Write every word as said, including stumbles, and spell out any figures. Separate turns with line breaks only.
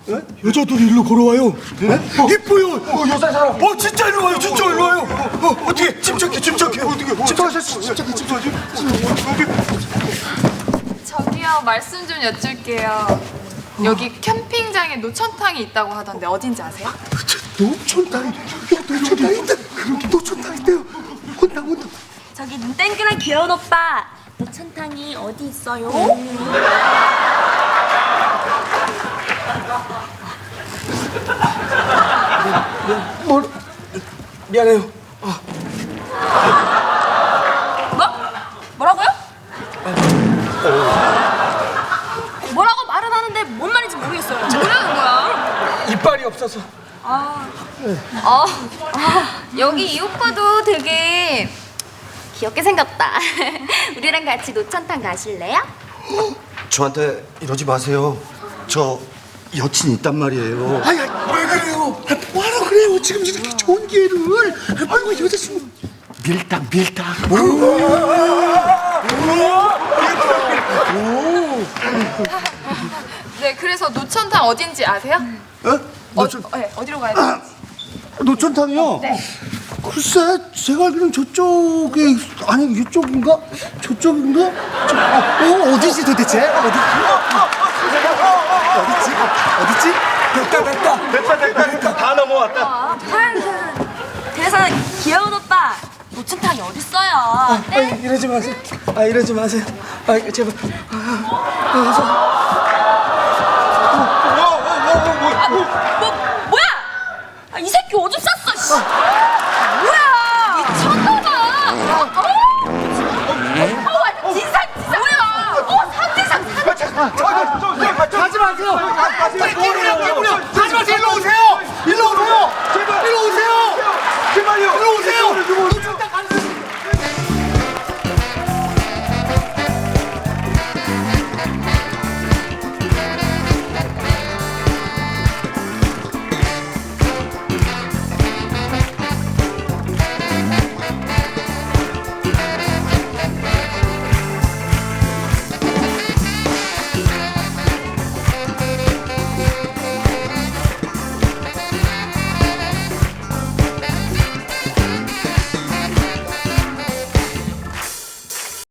여자들이 일로 걸어와요. 이뻐요. 어, 여자 사람. 어, 진짜 일로 와요. 진짜 일로 와요. 어, 어떻게 침착해, 침착해. 어떻게? 침착해, 침착해, 침착해.
저기요, 말씀 좀 여쭐게요. 여기 캠핑장에 노천탕이 있다고 하던데 어딘지 아세요?
노천탕, 노천탕 있다. 노천탕 있대요. 혼나, 혼나.
저기 눈 땡그란 귀여운 오빠, 노천탕이 어디 있어요?
뭐, 미안해요.
뭐? 뭐라고요? 뭐라고 말은 하는데 뭔 말인지 모르겠어요.
뭐라는 거야?
이빨이 없어서.
어, 아, 여기 이 오빠도 되게
귀엽게 생겼다. 우리랑 같이 노천탕 가실래요?
저한테 이러지 마세요. 저 여친 있단 말이에요.
아니, 왜 그래요? 아, 뭐하러 그래요? 지금 이렇게 좋은 기회를. 아이고, 여자친구.
밀당 밀당.
네, 그래서 노천탕 어딘지 아세요?
어?
노천... 어, 네, 어디로 가야 되는지.
노천탕이요?
네.
글쎄, 제가 알기로는 저쪽에, 아니, 이쪽인가? 저쪽인가? 저, 어, 어, 어디지 도대체? 어디? 어디지? 어디지? 됐다, 됐다.
됐다 됐다 됐다 다 넘어왔다.
그래서 귀여운 오빠, 노천탕이 어딨어요?
아, 이러지 마세요. 아, 이러지 마세요. 아, 제발.
뭐, 뭐야? 아, 이 새끼 오줌 쌌어, 씨. 뭐야? 미쳤나봐. 어, 완전 진상, 진상. 뭐야? 어, 삼지상, 삼지상.
가지 마세요. 가지 마세요. 가지 마세요. 일로 오세요. 일로 오세요.